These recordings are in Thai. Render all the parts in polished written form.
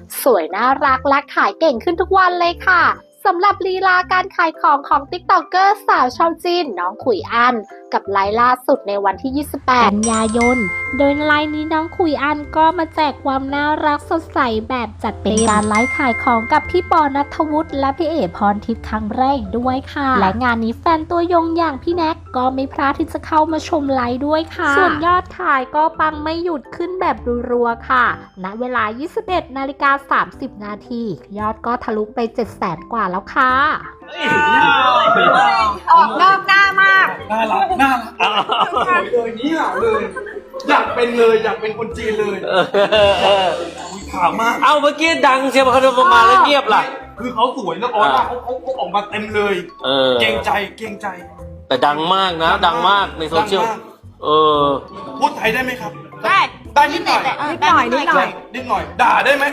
สวยน่ารักและขายเก่งขึ้นทุกวันเลยค่ะสำหรับลีลาการขายของของ TikToker สาวชาวจีนน้องขุยอันกับไลฟ์ล่าสุดในวันที่ 28 กันยายน โดยไลฟ์นี้น้องขุยอันก็มาแจกความน่ารักสดใสแบบจัดเต็มการไลฟ์ขายของกับพี่ปอณัฐวุฒิและพี่เอ๋พรทิพย์ครั้งแรกด้วยค่ะและงานนี้แฟนตัวยงอย่างพี่แน็กก็ไม่พลาดที่จะเข้ามาชมไลฟ์ด้วยค่ะส่วนยอดขายก็ปังไม่หยุดขึ้นแบบรัวๆค่ะณเวลา 21:30 นาทียอดก็ทะลุไป 700,000 กว่าแล้วค่ะออกนอกหน้ามากน่ารักเลยนี่เลยอยากเป็นคนจีนเลยถามมากเอาเมื่อกี้ดังเชียวเขามาแล้วเงียบล่ะคือเขาสวยแล้วออร่าเขาออกมาเต็มเลยเกรงใจแต่ดังมากนะดังมในโซเชียลพูดไทยได้ไหมครับได้นิดหน่อยด่าได้ไหม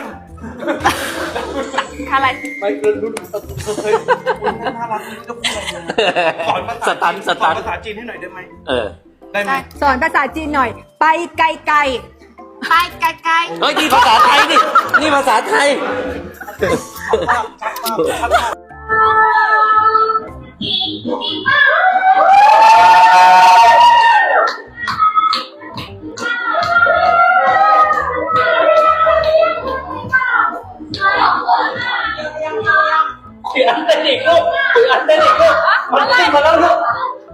อะไรไม่เกินรุ่นเคยน่ารักจะพูดอะไรสอนภาษาจีนให้หน่อยได้ไหมได้ไหมสอนภาษาจีนหน่อยไปไกลไปไกลเฮ้ยนี่ภาษาไทยนี่ภาษาไทยอันเต้นอีกลูกมันติ้งมาแล้วลูก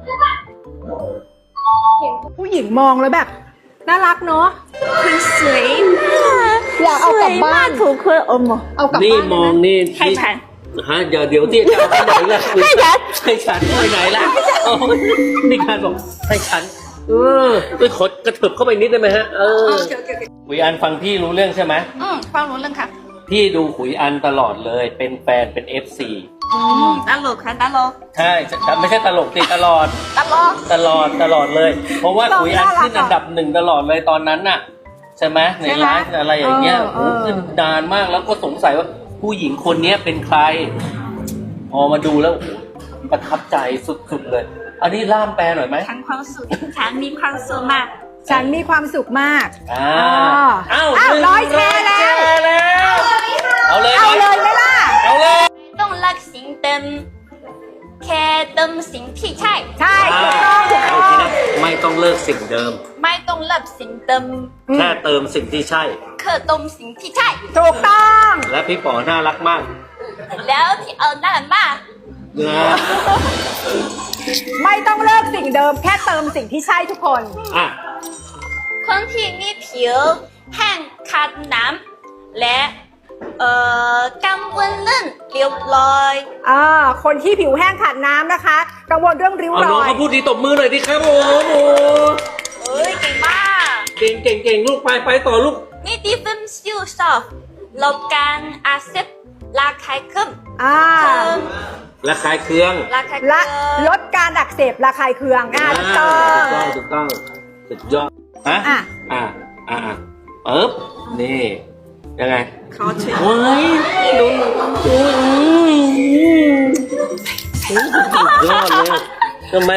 เห็นผู้หญิงมองแล้วแบบน่ารักเนาะคือสวยอยากเอากลับบ้านถูกคนเอากลับบ้านนี่มองนี่ให้ฉันฮะเดี๋ยวที่จะไปไหนล่ะให้ฉันไปไหนล่ะนี่การบอกให้ฉันไปขดกระเถิบเข้าไปนิดได้ไหมฮะขุยอันฟังพี่รู้เรื่องใช่ไหมฟังรู้เรื่องค่ะพี่ดูขุยอันตลอดเลยเป็นแฟนเป็น FC ตลกค่ะตลกใช่ไม่ใช่ตลกติตลอดเลยเพราะว่าขุยอันขึ้นอันดับ1ตลอดเลยตอนนั้นน่ะใช่ไหมในไลฟ์อะไรอย่างเงี้ยขึ้นนานมากแล้วก็สงสัยว่าผู้หญิงคนนี้เป็นใครพอมาดูแล้วประทับใจสุดๆเลยอันนี้ล่ามแปลหน่อยไหมฉันความสุขฉันมีความสุขมากฉันมีความสุขมาก100 แชร์แล้วเอาเลยไหมล่ะเอาเลยต้องเลิกสิ่งเดิมแค่เติมสิ่งที่ใช่ถูกต้องไม่ต้องเลิกสิ่งเดิมไม่ต้องเลิกสิ่งเดิมแค่เติมสิ่งที่ใช่แค่เติมสิ่งที่ใช่ถูกต้องและพี่ป๋อน่ารักมากแล้วที่น่ารักมากไม่ต้องเลิกสิ่งเดิมแค่เติมสิ่งที่ใช่ทุกคนคนที่มีผิวแห้งขาดน้ำและกังวลเรื่องริ้วรอยคนที่ผิวแห้งขาดน้ำนะคะกังวลเรื่องริ้วรอยน้องเขาพูดดีตบมือหน่อยดิครับโอ้เก่งมากเก่งลูกไปต่อลูกนี่ดิฟิมซิลซอฟลดการอักเสบระคายเคืองระคายเคืองและลดการอักเสบระคายเคืองถูกต้องสุดยอดนี่ยังไงเขาเฉยดูยอดเลยทำไม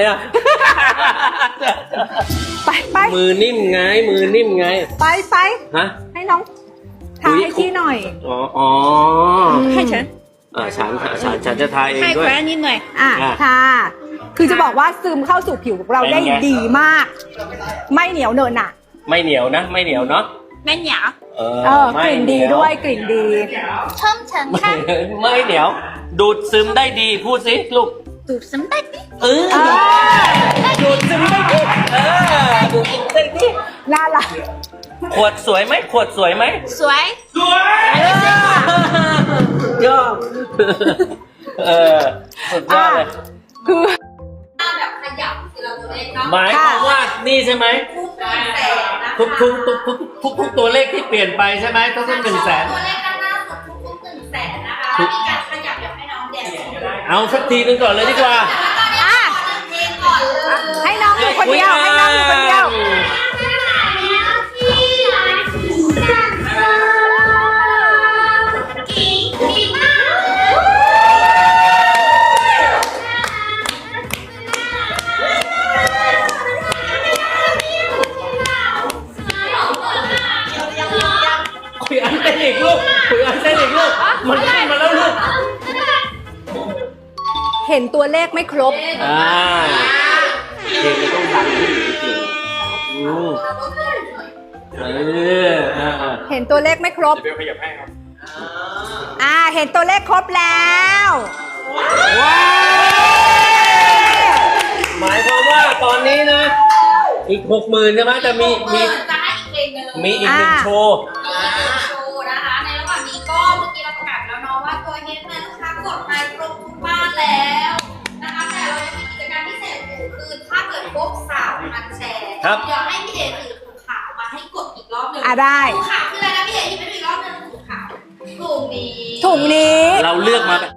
ไปมือนิ่มไงไปฮะให้น้องทาให้พี่หน่อยให้ฉันฉันจะทาเองด้วยให้แคว้นนิดหน่อยทาคือจะบอกว่าซึมเข้าสู่ผิวของเราได้ดีมากไม่เหนียวเนอะน่ะไม่เหนียวเนาะไม่เหนียวกลิ่นดีด้วยกลิ่นดีชมฉันค่ะไม่เหนียวดูดซึมได้ดีพูดสิลูกดูดซึมได้ดีดูดซึมได้ดีดูดซึมได้ดีน่ารักขวดสวยไหมสวยสุดยอดสุดยอดเลยคือแบบขยับทีละตัวเลขเนาะหมายความว่านี่ใช่ไหมทุกตัวเลขที่เปลี่ยนไปใช่ไหมต้อง100,000 ตัวเลขด้านหน้าสุดทุก100,000นะคะมีการขยับอยากให้น้องเด่นเอาสักทีนึงก่อนเลยดีกว่าให้น้องอยู่คนเดียวยอันเต้นอีกลูกคุยอันเต้นอีกลูกมันขึ้นมาแล้วลูกเห็นตัวเลขไม่ครบเพลงมันต้องดังขึ้นจริงๆเห็นตัวเลขไม่ครบเดี๋ยวขยับให้ครับเห็นตัวเลขครบแล้วว้าวหมายความว่าตอนนี้นะ อีก 60,000ใช่ไหมจะมีอีกหนึ่งโชว์โชว์นะคะ ในระหว่างนี้ก็เมื่อกี้เราประกาศแล้วเนาะว่าตัวเฮดแมนลูกค้ากดไปครบทุกบ้านแล้วนะคะแต่เรายังมีกิจกรรมพิเศษอยู่คือถ้าเกิดครบ3,000 แชร์ครับเดี๋ยวให้พี่เดชถือถุงขาวมาให้กดอีกรอบหนึ่งได้ถุงขาวคืออะไรนะพี่เดชที่เป็นอีกรอบหนึ่งถุงขาวถุงนี้ถุงนี้เราเลือกมาแบบ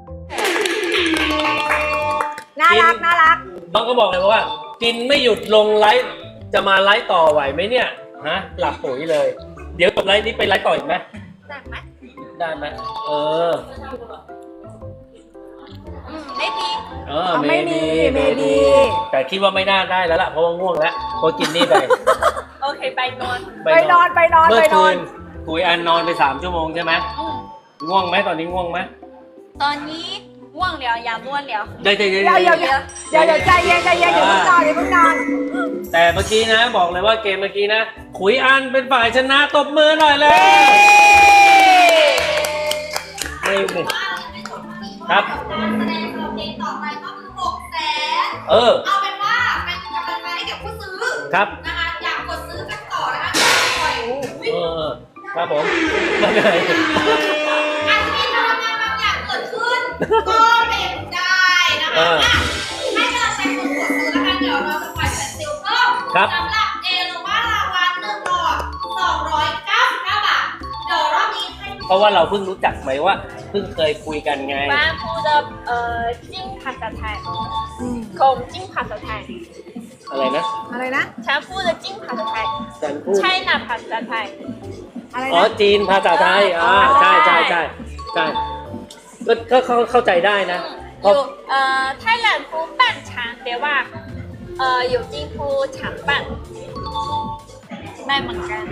น่ารักน่ารักน้องก็บอกเลยว่า กินไม่หยุดลงไลฟ์จะมาไลฟ์ต่อไหวไหมเนี่ยฮะหลับปุ๋ยเลย เดี๋ยวจบไลฟ์นี้ไปไลฟ์ต่ออีกไหมได้ไหมได้ไหมไม่ดีไม่มีแต่คิดว่าไม่น่าได้แล้วล่ะเพราะว่าง่วงแล้วเพราะกินนี่ไปโอเคไปนอนไปนอนเมื่อไปนคือนนคุยอันนอนไป3 ชั่วโมงใช่ไหมง่วงไหมตอนนี้ง่วงไหมตอนนี้ง่วงแล้วอย่าม่วนแล้วเดี๋ยวเดี๋ยวใจเย็นอย่าเพิ่งนอนแต่เมื่อกี้นะบอกเลยว่าเกมเมื่อกี้นะขุยอันเป็นฝ่ายชนะตบมือหน่อยเลยไม่ครับการแสดงเพลงต่อไปก็คือ600,000 เอาเป็นว่าเป็นกำลังใจให้กับผู้ซื้อครับนะคะอยากกดซื้อกันต่อนะคะปล่อยครับผมมาเลยอาจจะมีพลังงานบางอย่างเกิดขึ้น ก็เป็นได้นะคะให้กำลังใจคนกดซื้อแล้วกันเดี๋ยวเราจะปล่อยเป็นซิลเพิ่มสำหรับเอโลมาลาวาน1 หลอด 299 บาทเดี๋ยวรอบนี้ให้เพราะว่าเราเพิ่งรู้จักไหมว่าเพิ่งเคยคุยกันไงบ้านพูดจิ้งภาษาไทยของจิ้งภาษาไทยอะไรนะฉันพูดจิ้งภาษาไทยฉันพูดใช่นะภาษาไทยจีนภาษาไทยใช่ก็เข้าใจได้นะอยู่ไทยแลนด์พูดบ้านฉันแต่ว่าอยู่จีนพูดฉันบ้านไม่เหมือนกัน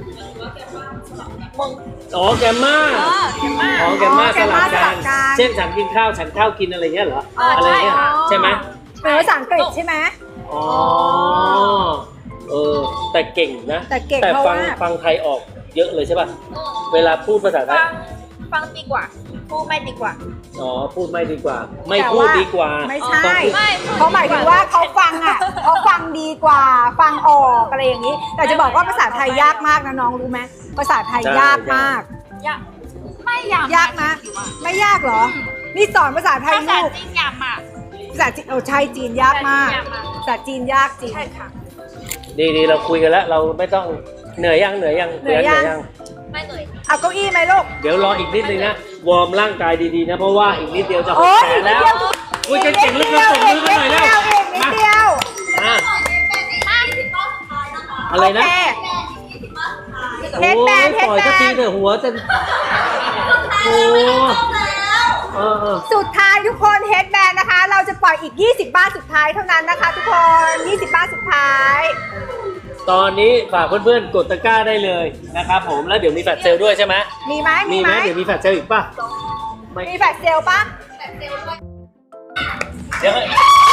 แกมมาแกมมาสลับกันเช่นฉันกินข้าวฉันข้าวกินอะไรเงี้ยเหรออะไรเงี้ยใช่ไหมเป็นภาษาอังกฤษใช่ไหมแต่เก่งนะแต่ฟังไทยออกเยอะเลยใช่ป่ะเวลาพูดภาษาไทยฟังดีกว่าพูดไม่ดีกว่าพูดไม่ดีกว่าไม่พูดดีกว่าไม่ใช่เขาหมายถึงว่าเขาฟังดีกว่าฟังออกอะไรอย่างนี้แต่จะบอกว่าภาษาไทยยากมากนะน้องรู้ไหมภาษาไทยยากมากไม่ยากนะไม่ยากเหรอนี่สอนภาษาไทยลูกภาษาจีนยากมากภาษาจีนใช่จีนยากมากภาษาจีนยากจริงใช่ค่ะดีเราคุยกันแล้วเราไม่ต้องเหนื่อยยังไม่เหนื่อยเอาเก้าอี้ไหมลูกเดี๋ยวรออีกนิดนึงนะวอร์มร่างกายดีๆนะเพราะว่าอีกนิดเดียวจะ600,000แล้วคุยกันเก่งลึกๆตบมือกันหน่อยแล้วนิดเดียวอะไรนะเฮดแบนปล่อยสักทีเถอะหัวจะสุดท้ายทุกคนเฮดแบนนะคะเราจะปล่อยอีก20 บ้านสุดท้ายเท่านั้นนะคะทุกคน20 บ้านสุดท้ายตอนนี้ฝากเพื่อนๆกดตะกร้าได้เลยนะครับผมแล้วเดี๋ยวมีแฟลชเซลด้วยใช่ไหมมีไหมเดี๋ยวมีแฟลชเซลอีกป่ะมีแฟลชเซลป่ะเดี๋ยว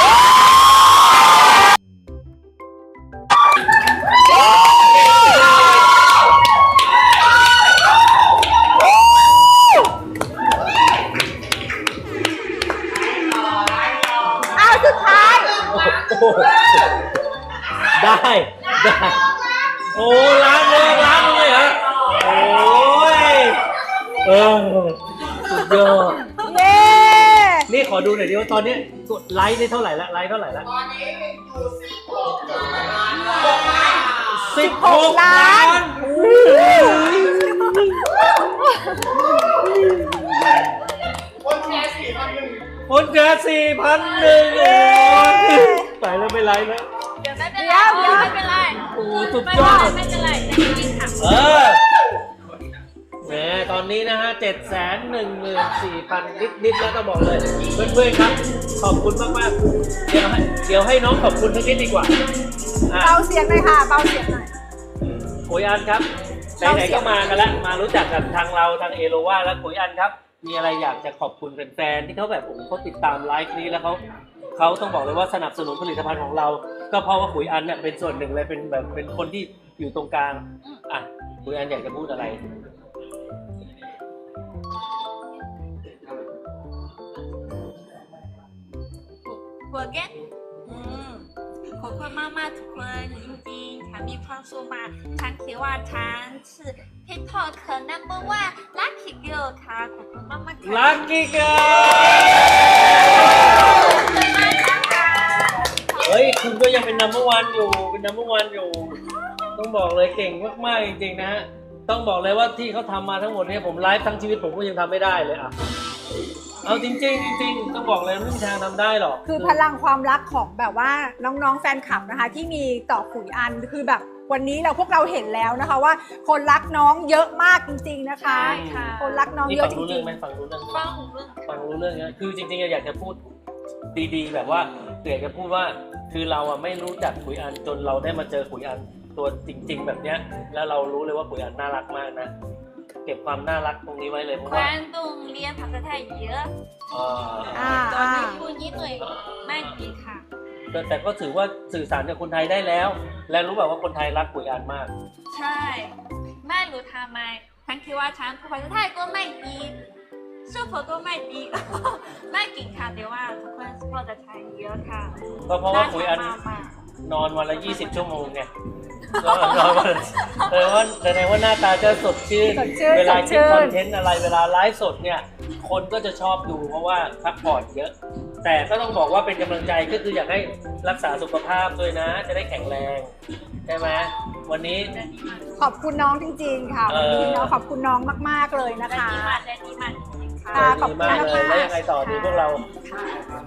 สุดท้ายได้โอ้ล้างเลยเหรอโอ้ยสุดยอดนี่ขอดูหน่อยดิว่าตอนนี้กดไลค์ได้เท่าไหร่ละตอนนี้อยู่16 ล้านคนแชร์4,100ไปแล้วไม่ไลฟ์แล้วเดี๋ยวไม่เป็นไรโอ้สุดยอดไม่เป็นไรแหมตอนนี้นะฮะ714,000 นิดแล้วต้องบอกเลยเพื่อนๆครับขอบคุณมากๆเดี๋ยวให้น้องขอบคุณสักนิดดีกว่าเบาเสียงหน่อยค่ะเบาเสียงหน่อยโอยอันครับไหนๆก็มากันแล้วมารู้จักกับทางเราทางเอโลวาและขุยอันครับ มีอะไรอยากจะขอบคุณแฟนๆที่เขาแบบโอ้โหเขาติดตามไลฟ์นี้แล้วเขาต้องบอกเลยว่าสนับสนุนผลิตภัณฑ์ของเรา ก็เพราะว่าขุยอันเนี่ยเป็นส่วนหนึ่งเลยเป็นแบบเป็นคนที่อยู่ตรงกลางอ่ะขุยอันอยากจะพูดอะไร forget ขอบคุณมากๆทุกคนจริงๆฉันมีความสุขมากฉันคิดว่าฉันคือ TikTok number one lucky girl ค่ะขอบคุณมากๆค่ะ Lucky Girl เฮ้ยคุณก็ยังเป็น number one อยู่เป็น number one อยู่ต้องบอกเลยเก่งมากๆจริงๆนะฮะต้องบอกเลยว่าที่เขาทำมาทั้งหมดเนี่ยผมไลฟ์ทั้งชีวิตผมก็ยังทำไม่ได้เลยอ่ะเอาจริงๆจริงๆต้องบอกเลยไม่มีทางทำได้หรอกคือพลังความรักของแบบว่าน้องๆแฟนคลับนะคะ ที่มีต่อขุยอันคือแบบวันนี้พวกเราเห็นแล้วนะคะว่าคนรักน้องเยอะมากจริงๆนะคะใช่ค่ะคนรักน้องเยอะจริงฟังรู้เรื่องไหมฟังหูเรื่องฟังรู้เรื่องนะคือจริงๆอยากจะพูดดีๆแบบว่าอยากจะพูดว่าคือเราอะไม่รู้จักขุยอันจนเราได้มาเจอขุยอันตัวจริง ๆ แบบเนี้ยแล้วเรารู้เลยว่าขุยอันน่ารักมากนะเก็บความน่ารักตรงนี้ไว้เลยเพราะคว่าวามต้องเรียนภาษาไทยเยอะอ่าตอนนี้พูดนิดหน่อยไม่ดีค่ะแต่ก็ถือว่าสื่อสารกับคนไทยได้แล้ว และรู้แบบว่าคนไทยรักขุยอันมากใช่ไม่รู้ทำไมฉันคิดว่าฉันพูดภาษาไทยก็ไม่ดีสู้ผก็ไม่ดี ไม่เก่งค่ะแต่ว่าทุกคนพูดภาษาไทยเยอะค่ะก็เพราะว่าขุยอันมากนอนวันละ20 ชั่วโมงไงนอนวันละว่าแสดงว่าหน้าตาจะสดชื่นสดชื่นเวลาสดชื่คิดนคอนเทนต์อะไรเวลาไลฟ์สดเนี่ยคนก็จะชอบดูเพราะว่าพักผ่อนเยอะ แต่ก็ต้องบอกว่าเป็นกำลังใจก็คืออยากให้รักษาสุขภาพด้วยนะ จะได้แข็งแรงใช่ไหมวันนี้ๆจะดีมากขอบคุณน้องจริงๆค่ะวันนี้เนาะขอบคุณน้องมากๆเลยนะจะคะดีมากจะดีมากจริงๆค่ะค่ะ ขอบดีคุณมากเลยมากๆแล้วยังไงต่อดีพวกเราค่ะ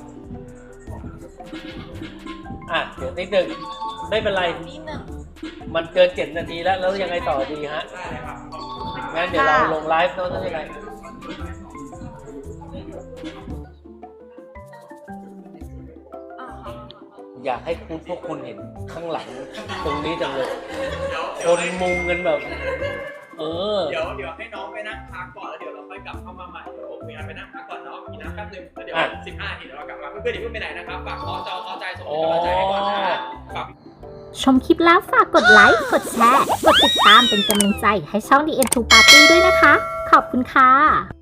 อ่ะเดี๋ยวนิดหนึ่งไม่เป็นไรนิดหนึ่งมันเกิน7 นาทีแล้วยังไงต่อดีฮะงั้นเดี๋ยวเราลงไลฟ์โน้นยังไงอ๋ออยากให้พวกคุณเห็นข้างหลังตรงนี้จังเลยคนมุงกันแบบเดี๋ยวให้น้องไปนั่งพักก่อนแล้วเดี๋ยวเราค่อยกลับเข้ามาใหม่เดี๋ยวผมมีอันไปนั่งพักก่อนเนาะกินน้ำแป๊บนึงแล้วเดี๋ยว15 นาทีเดี๋ยวเรากลับมาเพื่อนๆอย่าเพิ่งไปไหนนะครับฝากขอจอขอใจส่งกำลังใจให้ก่อนนะฝากชมคลิปแล้วฝากกดไลค์ กดแชร์ กดติดตามเป็นกำลังใจให้ช่อง The End to Party ด้วยนะคะ ขอบคุณค่ะ